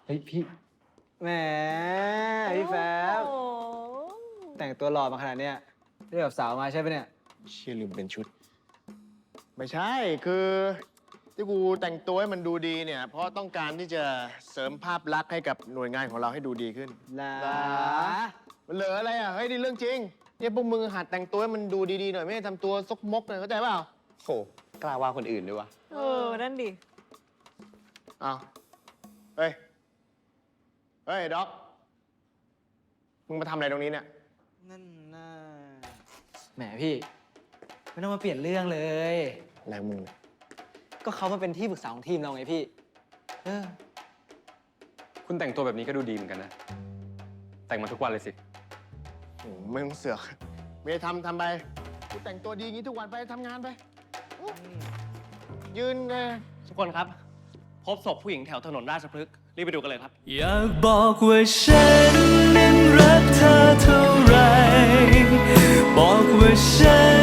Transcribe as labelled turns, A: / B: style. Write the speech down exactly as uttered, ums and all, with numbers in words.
A: เฮ้ยพี่แหมพี่แฟบแต่งตัวหล่อมาขนาดเนี้ยเรียกกับสาวมาใช่ปะเนี่ย
B: เชี่ยลืมเป็นชุด ไม่ใช่คือที่กูแต่งตัวให้มันดูดีเนี่ย เพราะต้องการที่จะเสริมภาพลักษณ์ให้กับหน่วยงานของเราให้ดูดีขึ้น
A: ลา
B: มันเหลืออะไรอ่ะ เฮ้ยนี่เรื่องจริงเนี่ยพวกมึงหัดแต่งตัวให้มันดูดีๆหน่อยไม่ได้ทำตัวซกมกเลยเข้าใจเปล่า
C: โหกล้าว่าคนอื่นด้วยวะ
D: เออ นั่นดิ
B: อ้าวเฮ้ย เฮ้ยด็อก มึงมาทำอะไรตรงนี้เนี่ย
A: นั่นน่ะแหมพี่ไม่ต้องมาเปลี่ยนเรื่องเลย
B: อะไรมึง
A: ก็เขามาเป็นที่ปรึกษาของทีมเราไงพี่เออ
C: คุณแต่งตัวแบบนี้ก็ดูดีเหมือนกันนะ แต่งมาทุกวันเลยสิ
B: โอ้ไม่ต้องเสือกไม่ได้ทำทำไปกูแต่งตัวดีอย่างนี้ทุกวันไปทำงานไปอู้ยืนเลย
E: ทุกคนครับ พบศพผู้หญิงแถวถนนราชพฤกษ์รีบไปดูกันเลยครับ
F: อยากบอกว่าฉันนั้นรักเธอเท่าไร บอกว่าฉัน